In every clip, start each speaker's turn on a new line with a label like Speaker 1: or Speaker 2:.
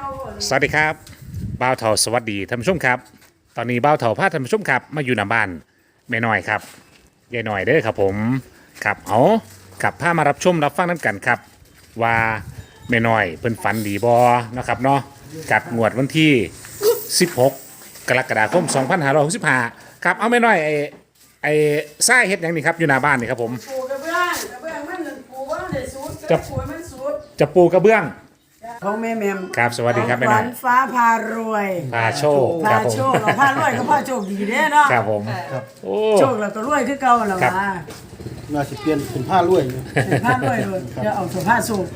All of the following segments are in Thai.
Speaker 1: สวัสดีครับบ่าวเถาสวัสดีท่านผู้ชมครับตอนนี้บ่าวเถาพาท่านผู้ชมครับมาอยู่หน้าบ้านแม่น้อยครับยายน้อยเด้อครับผมครับเอากับพามารับชมรับฟังน้ำกันครับว่าแม่น้อยเพิ่นฝันดีบ่นะครับเนาะกับงวดวันที่ 16 กรกฎาคม 2565ครับเอาแม่น้อยไอ้ทรายเฮ็ดหยังนี่ครับอยู่หน้าบ้านนี่ครับผม
Speaker 2: ปูกระเบื้องมันปูว่าได้สูตรจะปูมันสูตร
Speaker 1: จะปูกระเบื้อง
Speaker 2: ของแม่แมม
Speaker 1: ครับสวัสดีครับแม่
Speaker 2: ข
Speaker 1: น้
Speaker 2: วั
Speaker 1: อย
Speaker 2: ญฟ้าพารวย
Speaker 1: พาโชคค
Speaker 2: พา
Speaker 1: รับผม
Speaker 2: โชคเราพารวยก็พาโชคดีเด้เนาะ
Speaker 1: ครับผมโอ้
Speaker 2: โชคเราก็รวยคือเก่าแล้ว
Speaker 1: ครับ
Speaker 2: ว่า
Speaker 3: น่าจะเปลี่ยนเป็นผ้าลวยอยู่
Speaker 2: พารวยเลยจะเอาตัวพาโชค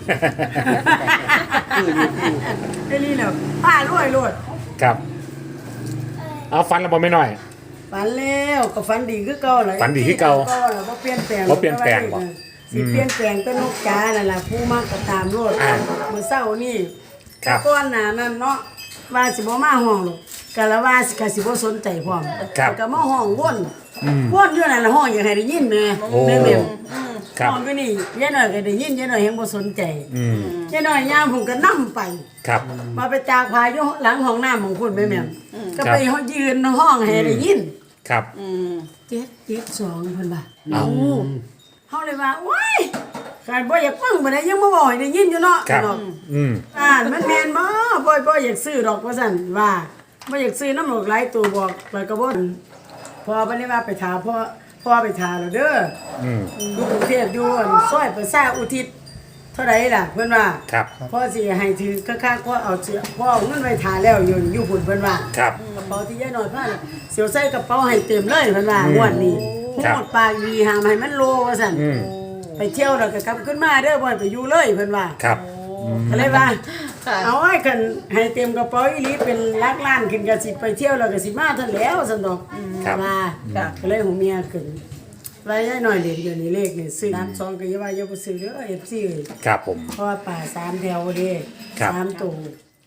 Speaker 2: ไอ้นี่แหละพารวยโลด
Speaker 1: ครับเอาฟันแล้วบ่แม่น้อย
Speaker 2: ฝันแล้วก็ฝันดีคือเก่าเลย
Speaker 1: ฝันดีคือเก่า
Speaker 2: แล้วบ่เปลี่ยนแปลง
Speaker 1: บ่เปลี่ยนแปลงบ่
Speaker 2: สิเปลี่ยนแปลงก็นกกานั่นล่ะผู้มักก็ตามโลด
Speaker 1: อ่า
Speaker 2: มื้อเช้านี่
Speaker 1: ครับ
Speaker 2: แต่ก่อนหน้านั้นเนาะว่าสิบ่มาห้องหรอกก็ละว่าสิก็สิบ่สนใจพร้อม
Speaker 1: ครับ
Speaker 2: ก็มาห้องวนอยู่นั่นล่ะห้องอยากให้ได้ยินแม่
Speaker 1: โอ้
Speaker 2: แม่แม่
Speaker 1: ครับ
Speaker 2: ห้องก็นี่ยายน้อยก็ได้ยินยายน้อยยังบ่สนใจ
Speaker 1: อืม
Speaker 2: ยายน้อยย่ามผมก็นํไป
Speaker 1: ครับ
Speaker 2: มาไปจากพาอยู่หลังห้องน้ำของคุณแม่แม่ก็
Speaker 1: ครับ
Speaker 2: ไปยืนห้องให้ได้ยิน
Speaker 1: ครับ
Speaker 2: 772เพิ่นว่า
Speaker 1: เอ้า
Speaker 2: โอ้เฮาเลยว่าโอ้ยขาดบ่อยากฟังบ่ได้ยังมาบอกให้ได้ยินอยู่เนาะ
Speaker 1: ครับ
Speaker 2: เนาะ
Speaker 1: อืม
Speaker 2: มันแม่นบ่อยากซื้อดอกว่าซั่นว่าบ่อยากซื้อน้ำหลอกหลายตัวบอกแล้วก็บ่พอบ่ได้ว่าไปถามพ่อไปถามแล้วเด้อ
Speaker 1: อืม
Speaker 2: อยู่กรุงเทพอยู่ซอยประชาอุทิศเท่าใดล่ะเพิ่นว่า
Speaker 1: ครับ
Speaker 2: พ่อสิให้ถือคักๆพ่อเอาพ่อเอาเงินไว้ทาแล้วอยู่พุ่นเพิ่นว่า
Speaker 1: ครับ
Speaker 2: กระเป๋าที่ยายน้อยพาน่ะเสียวใส่กระเป๋าให้เต็มเลยเพิ่นว่างวดนี้
Speaker 1: ครับ
Speaker 2: โหดปากดีหามให้มันโลว่าซั่น
Speaker 1: อืม
Speaker 2: ไปเที่ยวแล้วก็กลับขึ้นมาเด้อบ่ให้ไปอยู่เลยเพิ่นว่า
Speaker 1: ครับ
Speaker 2: ก็เลยว่าเอาไว้กันให้เต็มกระเป๋าอีหลีเป็นลักล้านขึ้นก็สิไปเที่ยวแล้วก็สิมาทันแล้วซั่นดอก
Speaker 1: ครับ
Speaker 2: ว่าก็เลยหูเมียขึ้นไว้ยายน้อยเด่นเดี๋ยวนี้เลขนี่ซื้อ32ก็อย่าว่าอย่าบ่ซื้อเด้อ FC เอ้ย
Speaker 1: ครับผม
Speaker 2: เพราะว่าป่า3แถวเด้
Speaker 1: ครับ
Speaker 2: 3ตัว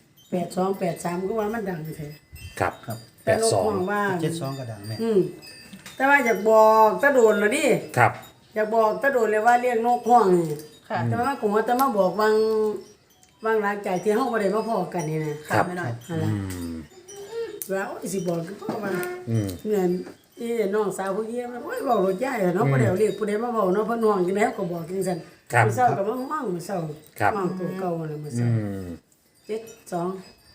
Speaker 2: 82 83ก็ว่ามันดังแท้
Speaker 1: ครับ
Speaker 3: ครับ
Speaker 1: แปดสอง
Speaker 2: แต่ลูกมว่า
Speaker 3: 72กระดังแม่
Speaker 2: แต่ว่าอยากบอกตะโดนแล้วดิ
Speaker 1: ครับ
Speaker 2: อยากบอกตะโดนเลยว่าเรียกนกห้องนี่แต่ว่ากูว่าแต่มาบอกวางหลังจากที่เฮาบ่ได้มาพอกันนี่นะครับ
Speaker 4: ไม่น้อย
Speaker 2: นั่นล่ะว่าโอ้ยสิบอกก็เพราะว่า
Speaker 1: อืม
Speaker 2: เงินที่น้องสาวผู้เยี่ยมโอ้ยเว้ารถย้ายเนาะบ่ได้เอาเรียกผู้ใดมาเว้าเนาะเพิ่นห้องจังได๋ก็บอกจังซั่น
Speaker 1: ครับ
Speaker 2: มื้อเช้าก็มาห้องมื้อเช้า
Speaker 1: ครับ
Speaker 2: ห้องตัวเก่าน่ะมื้อ
Speaker 1: อื
Speaker 2: เช้าม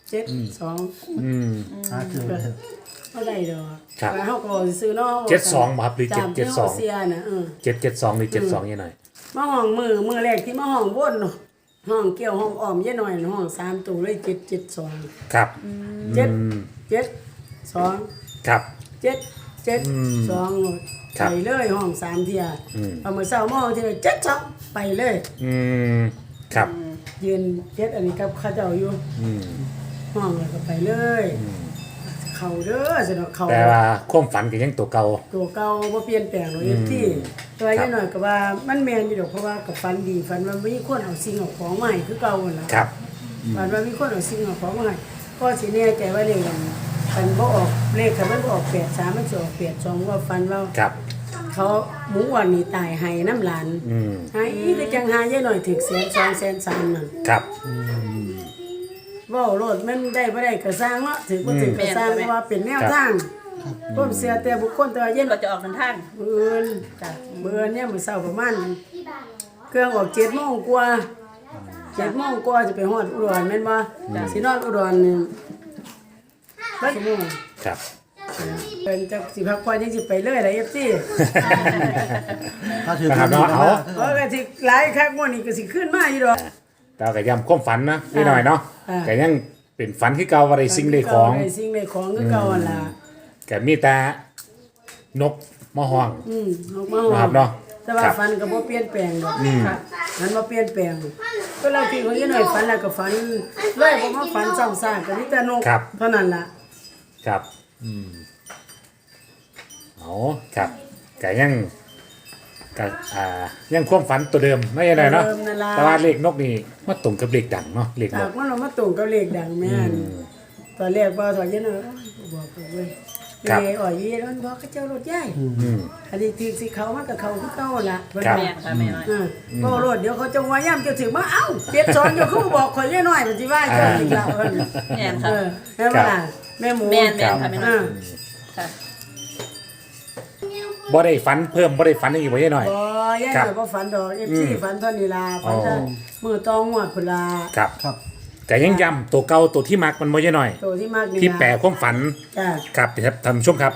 Speaker 2: 72
Speaker 1: อืม
Speaker 3: หาคือ
Speaker 2: 72บ่ได้ดอก
Speaker 1: ครับ
Speaker 2: ว่าเฮาก็ซื้อเนาะ
Speaker 1: 72บ่ครับหรือ
Speaker 2: จามที่เฮา
Speaker 1: 772
Speaker 2: เสียน่ะ
Speaker 1: 772หรือ72ยังไง
Speaker 2: มาห้องมือแรกที่มาห้องบนเนาะห้องเกี่ยวห้องอ้อมยายหน่อยห้อง3ตัวเลย772
Speaker 1: ครับ
Speaker 2: เจ็ด
Speaker 1: อืม
Speaker 2: เจ็ดสอง
Speaker 1: ครับ
Speaker 2: เจ็ดเจ็ด
Speaker 1: อืม
Speaker 2: สอง
Speaker 1: ครับ
Speaker 2: ไปเลยห้อง3เที่ย
Speaker 1: อืม
Speaker 2: เอามื้อเช้ามาห้องที่72ไปเลย
Speaker 1: อืมครับ
Speaker 2: ยืนเจ็ดอันนี้กับเขาเจ้าอยู่
Speaker 1: อืม
Speaker 2: ห้องแล้วก็ไปเลย เข้าเด้อสิเนาะเข้า
Speaker 1: แต่ว่าความฝันก็ยังตัวเก่า
Speaker 2: ตัวเก่าบ่เปลี่ยนแปลงหรอกที่แต่ว่า
Speaker 1: ครับ
Speaker 2: ยายหน่อยก็ว่ามันแม่นอยู่ดอกเพราะว่าก็ฝันดีฝันว่ามีคนเอาสิ่งเอาของมาให้คือเก่านั่นล่ะ
Speaker 1: ครับ
Speaker 2: ฝันว่ามีคนเอาสิ่งเอาของมาให้ก็สิแน่ใจว่าเลขมันบ่ออกเลขคันมันบ่ออก83มันสิออก82ว่าฝันว่า
Speaker 1: ครับ
Speaker 2: เขาหมูอ้วนนี่ตายให้น้ำหลาน
Speaker 1: อืม
Speaker 2: ให้ก็จังหายายหน่อยถึก100,000 200,000นั่น
Speaker 1: ครับ
Speaker 2: เว้าโลดมันได้บ่ได้ก็สร้างเนาะถึกบ่ถึกก็สร้างเพราะว่าเป็นแนวทางผมเสียแต่บุคคลแต่ว่ายายหน่
Speaker 4: เรา
Speaker 2: อย
Speaker 4: จะออกเดินทาง
Speaker 2: มื้อจ้ะมื้อเนี่ยมื้อเช้าประมาณเครื่องออก7:00 นกว่า7:00 นกว่าจะไปฮอดอุดรแม่นบ่สินอนอุดรนี่บัดชั่วโมง
Speaker 1: ครับ
Speaker 2: เป็นจักสิพักผ่อนยังสิไปเลยล่ะ FC
Speaker 3: ถ้าถือ
Speaker 1: นะครับเนาะเอา
Speaker 2: เพราะก็สิหลายคักมื้อนี้ก็สิขึ้นมาอยู่ดอก
Speaker 1: แต่ก็ย้ำความฝันนะนิดหน่อยเนาะ
Speaker 2: อ่า
Speaker 1: ก็ยังเป็นฝันที่เก่าว่าได้สิ่งได้ของ
Speaker 2: ได้สิ่งได้ของคือเก่าหั่นล่ะ
Speaker 1: ก็มีแต่นกมะฮอง
Speaker 2: ออกมา
Speaker 1: นะครับเนาะ
Speaker 2: แต่ว่า
Speaker 1: ครับ
Speaker 2: ฟันก็บ่เปลี่ยนแปลงดอกค่ะมันบ่เปลี่ยนแปลงเวลาที่เขาอยู่หน่อยฝันแล้วก็ฝันเลยบ่มาฝันซ้ำซากก็มีแต่นก
Speaker 1: ครับ
Speaker 2: เท่านั้นล่ะ
Speaker 1: ครับเอาครับก็ยังก็ยังความฝันตัวเดิมไม่ยังไงเนาะ
Speaker 2: เดิมนั่นล่ะ
Speaker 1: แต่ว่าเลขนกนี่มาตรงกับเลขดังเนาะเลขน
Speaker 2: จาก กมันเอามาตรงกับเลขดังแม่นตอนแรกว่าถอยอยู่หน่อยโอ้ยบอกเว้ย
Speaker 1: ครับ
Speaker 2: เลยอ่อยยีมันบอกเขาเจ้ารถใหญ่
Speaker 1: อืม
Speaker 2: อันนี้ถือสิเขามันก็เขาคือเขาล่ะเพิ่น
Speaker 1: ครับ
Speaker 2: ว่า
Speaker 4: แม่นค่ะแม่น้อย
Speaker 2: ก็รถเดี๋ยวเขาจะว่าย่ำจะถึงมาเอ้า72อยู่เขาบอกข่อยน้อยมันสิว่าเจ้าอีกแล้วเพิ่น
Speaker 4: แม่นค่ะ
Speaker 2: แม่ว่าแม่หมู
Speaker 4: แม่นค่ะแม่น้อยค่ะ
Speaker 1: บ่ได้ฝันเพิ่มบ่ได้ฝันอีกบ่ยายหน่อย
Speaker 2: บ่ย่า
Speaker 1: ครับ
Speaker 2: บ่ฝันดอก FC ฝันเท่านี้ล่ะฝัน
Speaker 1: อ๋อ
Speaker 2: มื้อตองงวดพุ่นล่ะ
Speaker 1: ครับ
Speaker 3: ครับ
Speaker 1: แต่ยังย้ำตัวเก่าตัวที่มักมันบ่ยายหน่อย
Speaker 2: ตัวที่มากนี่
Speaker 1: ที่แปลความฝัน
Speaker 2: จ้ะ
Speaker 1: ครับครับท่านผู้ชมครับ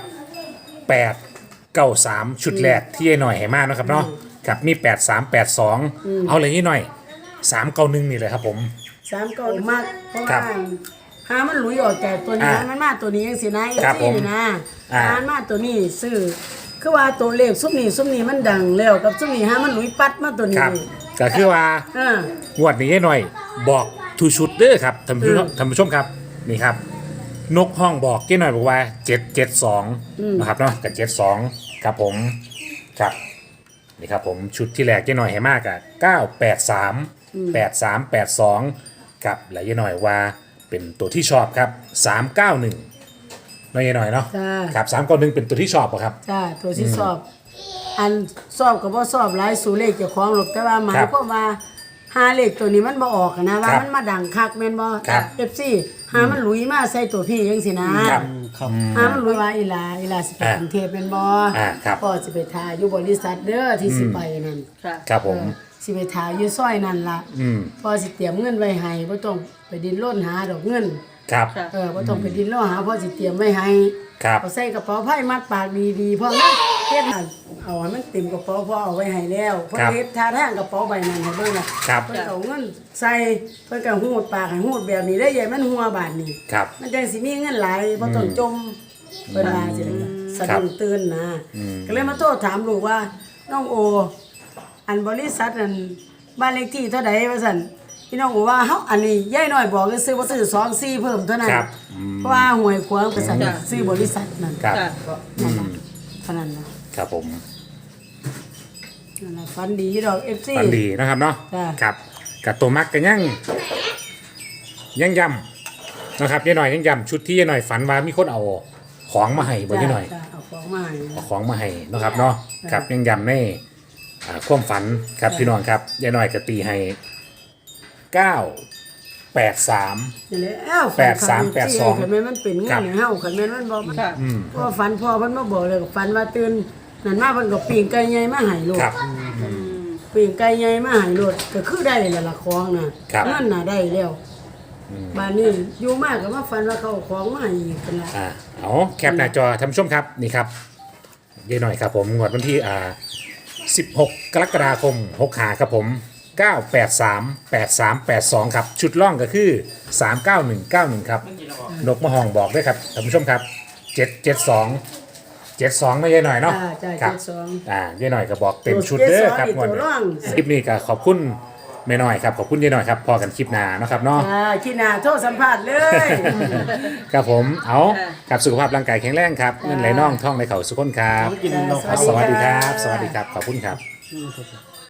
Speaker 1: 893ชุดแรกที่ยายหน่อยให้มาเนาะครับเนาะครับมี8382เอาเลยยายหน่อย391นี่เลยครับผม
Speaker 2: 3ก็มากเพราะ
Speaker 1: ครั
Speaker 2: ว่า
Speaker 1: บ
Speaker 2: หามันหลุยออกจากตัวนี้
Speaker 1: อ่า
Speaker 2: มันมาตัวนี้จังซี่นะ
Speaker 1: ครับ
Speaker 2: FC
Speaker 1: ผม
Speaker 2: นี่นะ
Speaker 1: อ่า
Speaker 2: หามาตัวนี้ซื้อคือว่าตัวเลขซุมนี้มันดังแล้วกับซุมนี้หามันหลุยปัดมาตัว
Speaker 1: ค
Speaker 2: นี้
Speaker 1: รับก็คือว่า
Speaker 2: เออ
Speaker 1: งวดนี้ยายหน่อยบอกทุกชุดเด้อครับท่านผู้ชมท่านผู้ชมครับนี่ครับ นกห้องบอกยายหน่อยบอกว่า772นะครับเนาะกับ72ครับผมครับนี่ครับผมชุดที่แรกยายหน่อยให้มากอะ983 8382ครับและยายหน่อยว่าเป็นตัวที่ชอบครับ391น้อยยายหน่อยเนาะ
Speaker 2: จ้า
Speaker 1: ครับ391เป็นตัวที่ชอบป่ะครับ
Speaker 2: จ้าตัวที่สอบ อันสอบก็บ่สอบหลายสู่เลขเจ้าของหรอกแต่ว่าหมายความว่าหาเลขตัวนี้มันบ่ออกนะว่า
Speaker 1: ครับ
Speaker 2: มันมาดังคักแม่นบ่
Speaker 1: ครับ
Speaker 2: FC หามันหลุยมาใส่ตัวพี่จังซี่นะครับ
Speaker 3: ครับ
Speaker 2: หามันหลุยว่าอีหลาสิไปกรุงเทพแม่นบ่
Speaker 1: ครับ
Speaker 2: พ่อสิไปทาอยู่บริษัทเด้อที่สิไปนั่น
Speaker 4: ค่ะ
Speaker 1: ครับผม
Speaker 2: สิไปทาอยู่ซอยนั่นล่ะ
Speaker 1: อืม
Speaker 2: พ่อสิเตรียมเงินไว้ให้บ่ต้องไปดิ้นรนหาดอกเงิน
Speaker 1: ครับ
Speaker 4: ค่ะ
Speaker 2: บ่ต้องไปดิ้นรนหาพ่อสิเตรียมไว้ให้
Speaker 1: ครับ
Speaker 2: เอาใส่กระเป๋าไผ่มัดปากดีๆพ่อนะเฮ็ดให้เอาให้มันเต็มกระเป๋าพ่อเอาไว้ให้แล้วเพิ่นเฮ็ดท่าทางกระเป๋าใบนั้นให้เบิ่งน่ะ
Speaker 1: ครับ
Speaker 2: เพิ่นเอาเงินใส่เพิ่นก็หูดปากให้หูดแบบนี้ได้ใหญ่มันหัวบาดนี้
Speaker 1: ครับ
Speaker 2: มันจังสิมีเงินหลายบ่ต้องจมเพิ่นว่าสิสะดุ้งตื่นนะก็เลยมาโทษถามลูกว่าน้องโอ อันบริษัทนั้นบ้านเลขที่เท่าใดว่าซั่นพี่น้องบอกว่าเฮาอันนี้ยายน้อยบอกซื้อบ่ซื้อ24เพิ่มเท่านั้น
Speaker 1: ครับ
Speaker 2: เพราะว่าหวยขวางบริษัทซื้อบริษัทนั่น
Speaker 1: ครับ
Speaker 4: ค่ะ
Speaker 2: นั่นล่ะเท่านั้นนะครับ
Speaker 1: ผม
Speaker 2: นั่นล่ะฝันดีดอก FC
Speaker 1: ฝันดีนะครับเนาะ
Speaker 2: จ้ะ
Speaker 1: ครับกับตัวมักกันยังย้ำนะครับยายหน่อยยังย้ำชุดที่ยายหน่อยฝันว่ามีคนเอาของมาให้บนยายหน่อย
Speaker 2: จ้ะเอาของมาให้
Speaker 1: เอาของมาให้นะครับเนาะครับยังย้ำในความฝันครับพี่น้องครับยายหน่อยก็ตีให้983
Speaker 2: นี่แหละอ้าว
Speaker 1: 8382
Speaker 2: คันแม่นมันเป็นเงินให้เฮาคันแม่นมันบ่
Speaker 4: ค่ะ
Speaker 2: เพราะว่าฝันพ่อเพิ่นมาบอกเลยก็ฝันว่าตื่นนั่นมาเพิ่นก็ปิ้งไก่ใหญ่มาให้ลูก
Speaker 1: ครับ
Speaker 2: ปิ้งไก่ใหญ่มาให้ลูกก็คือได้แล้วล่ะของน่ะ
Speaker 1: ครับ
Speaker 2: เงินน่ะได้แล้วบ้านนี้อยู่มากก็มาฝันว่าเขาเอาของมาให้อีกกันละ
Speaker 1: เอาแคปหน้าจอท่านผู้ชมครับนี่ครับยายหน่อยครับผมงวดวันที่16 กรกฎาคม65ครับผม 983 8382 ครับ ชุดล่องก็คือ 39191 ครับ นกมะฮองบอกด้วยครับท่านผู้ชมครับ 772 72ไม่ยายหน่อยเนาะ
Speaker 2: จ้า
Speaker 1: ครับ
Speaker 2: 72
Speaker 1: ยายหน่อยก็บอกเต็มชุดเด้อครับ
Speaker 2: ตัว
Speaker 1: งวด
Speaker 2: ตัว
Speaker 1: นี้
Speaker 2: ร่อง
Speaker 1: คลิปนี้ก็ขอบคุณแม่หน่อยครับขอบคุณยายหน่อยครับพอกันคลิปหน้าเนาะครับเนาะ
Speaker 2: ขี้หน้าโทษสัมภาษณ์เลย
Speaker 1: ครับผมเอา
Speaker 4: ค่ะ
Speaker 1: กับสุขภาพร่างกายแข็งแรงครับเงินไหลน่องท่องในเขาสุขคนครับ
Speaker 3: กินเรา
Speaker 1: สวัสดีครับ สวัสดีครับ ขอบคุณครับ
Speaker 3: ครับ